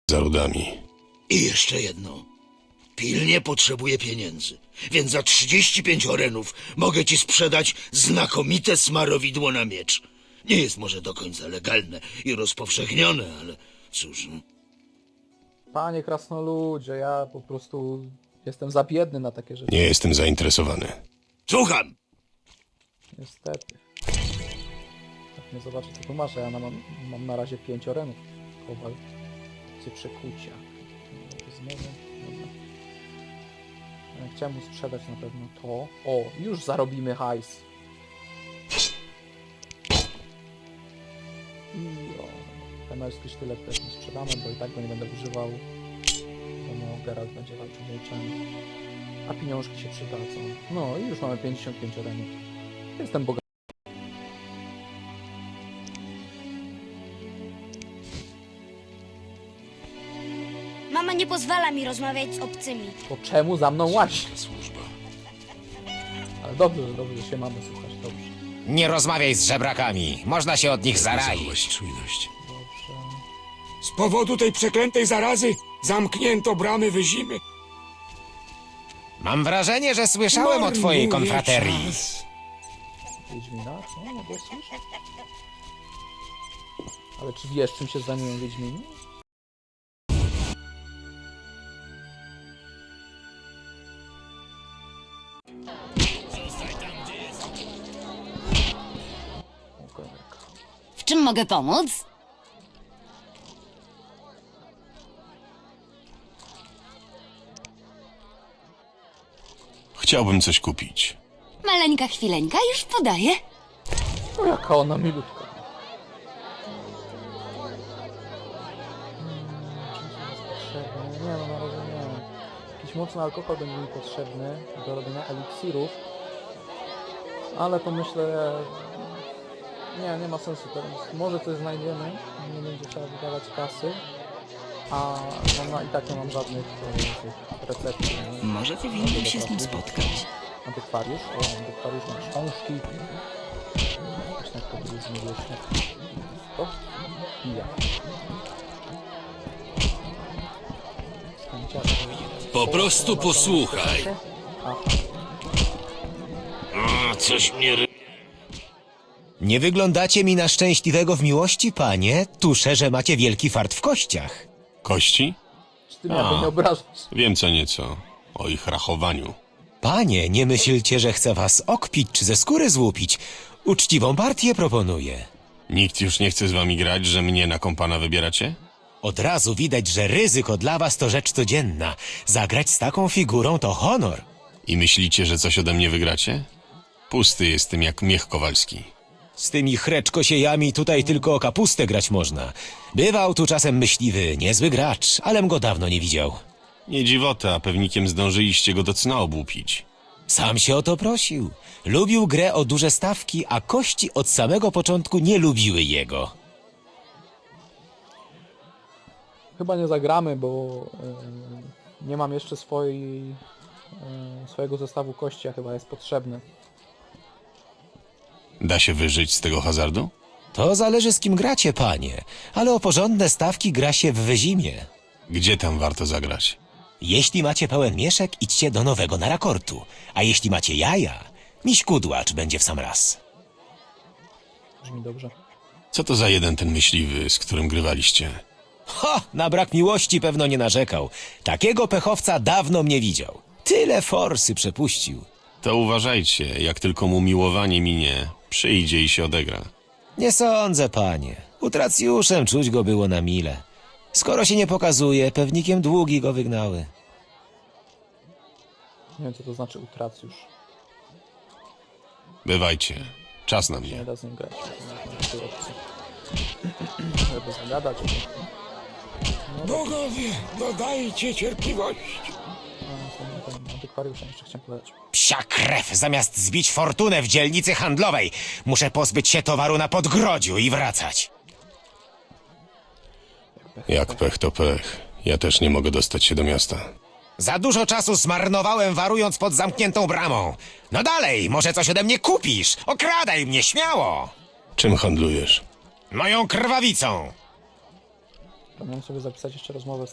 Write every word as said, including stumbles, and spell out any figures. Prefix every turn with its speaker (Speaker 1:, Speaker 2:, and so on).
Speaker 1: za rudami.
Speaker 2: I jeszcze jedno. Pilnie potrzebuję pieniędzy, więc za trzydzieści pięć orenów mogę ci sprzedać znakomite smarowidło na miecz. Nie jest może do końca legalne i rozpowszechnione, ale cóż... no.
Speaker 3: Panie krasnoludzie, ja po prostu jestem za biedny na takie rzeczy.
Speaker 1: Nie jestem zainteresowany.
Speaker 2: Słucham!
Speaker 3: Niestety. Jak nie zobaczę, co tu masz, a ja na, mam, mam na razie pięć orenów. Kowal. Cię przekucia. Znowu. Dobra. Ja chciałem mu sprzedać na pewno to. O, już zarobimy hajs. I o, temerski sztylet też nie sprzedamy, bo i tak go nie będę używał. To no, Geralt będzie walczył mieczem. A pieniążki się przydadzą. No i już mamy pięćdziesiąt pięć orenów. Jestem bogaty.
Speaker 4: Mama nie pozwala mi rozmawiać z obcymi.
Speaker 3: To czemu za mną łazi? Ale dobrze, że dobrze, że się mamy słuchać, dobrze.
Speaker 5: Nie rozmawiaj z żebrakami, można się od nich zaraić.
Speaker 1: Zachować czujność.
Speaker 3: Dobrze.
Speaker 6: Z powodu tej przeklętej zarazy zamknięto bramy Wyzimy.
Speaker 5: Mam wrażenie, że słyszałem o twojej
Speaker 6: Marnuje
Speaker 5: konfraterii.
Speaker 6: czas.
Speaker 3: Wiedźmina? No, mogę słyszeć. Ale czy wiesz, czym się zajmują Wiedźmini? Ogonek.
Speaker 7: W czym mogę pomóc?
Speaker 1: Chciałbym coś kupić.
Speaker 7: Maleńka chwileńka, już podaję.
Speaker 3: No jaka ona milutka. Hmm, czym to jest potrzebne? Nie no, na razie nie. Jakiś mocny alkohol będzie mi potrzebny do robienia eliksirów. Ale to myślę... Nie, nie ma sensu teraz. Może coś znajdziemy, nie będzie trzeba wydawać kasy. A no, no i tak nie mam żadnych e, tych recept. nie?
Speaker 8: Może powinienem się z nim spotkać.
Speaker 3: Antykwariusz? O, antykwariusz ma książki. Właśnie jak to było z niewieśnie. To? I ja.
Speaker 2: Po prostu posłuchaj.
Speaker 3: Aha.
Speaker 2: A, coś mnie... ry-
Speaker 5: Nie wyglądacie mi na szczęśliwego w miłości, panie. Tuszę, że macie wielki fart w kościach.
Speaker 1: Kości?
Speaker 3: Czy ty mnie jakby
Speaker 1: A.
Speaker 3: nie obrażasz?
Speaker 1: Wiem co nieco. O ich rachowaniu.
Speaker 5: Panie, nie myślcie, że chcę was okpić czy ze skóry złupić. Uczciwą partię proponuję.
Speaker 1: Nikt już nie chce z wami grać, że mnie na kompana wybieracie?
Speaker 5: Od razu widać, że ryzyko dla was to rzecz codzienna. Zagrać z taką figurą to honor.
Speaker 1: I myślicie, że coś ode mnie wygracie? Pusty jestem jak miech kowalski.
Speaker 5: Z tymi chreczkosiejami tutaj tylko o kapustę grać można. Bywał tu czasem myśliwy, niezły gracz, alem go dawno nie widział.
Speaker 1: Nie dziwota, a pewnikiem zdążyliście go do cna obłupić.
Speaker 5: Sam się o to prosił. Lubił grę o duże stawki, a kości od samego początku nie lubiły jego.
Speaker 3: Chyba nie zagramy, bo e, nie mam jeszcze swojej, e, swojego zestawu kości, a chyba jest potrzebny.
Speaker 1: Da się wyżyć z tego hazardu?
Speaker 5: To zależy z kim gracie, panie, ale o porządne stawki gra się w Wyzimie.
Speaker 1: Gdzie tam warto zagrać?
Speaker 5: Jeśli macie pełen mieszek, idźcie do nowego Narakortu, a jeśli macie jaja, miś kudłacz będzie w sam raz.
Speaker 3: Brzmi dobrze.
Speaker 1: Co to za jeden ten myśliwy, z którym grywaliście?
Speaker 5: Ho, na brak miłości pewno nie narzekał. Takiego pechowca dawno mnie widział. Tyle forsy przepuścił.
Speaker 1: To uważajcie, jak tylko mu miłowanie minie, przyjdzie i się odegra.
Speaker 5: Nie sądzę, panie. Utracjuszem czuć go było na mile. Skoro się nie pokazuje, pewnikiem długi go wygnały.
Speaker 3: Nie wiem, co to znaczy utracjusz.
Speaker 1: Bywajcie, czas na
Speaker 3: Nie
Speaker 1: mnie.
Speaker 3: da z nim grać. Na tej opcji. Żeby zagadać. No,
Speaker 6: Bogowie, dodajcie cierpliwości.
Speaker 3: a, ten antykwariuszem jeszcze chciałem powiedzieć.
Speaker 5: Psia krew, zamiast zbić fortunę w dzielnicy handlowej, muszę pozbyć się towaru na podgrodziu i wracać.
Speaker 1: Jak pech to pech. Ja też nie mogę dostać się do miasta.
Speaker 5: Za dużo czasu zmarnowałem warując pod zamkniętą bramą. No dalej, może coś ode mnie kupisz. Okradaj mnie, śmiało.
Speaker 1: Czym handlujesz?
Speaker 5: Moją krwawicą.
Speaker 3: Zapomniałem sobie zapisać jeszcze rozmowę z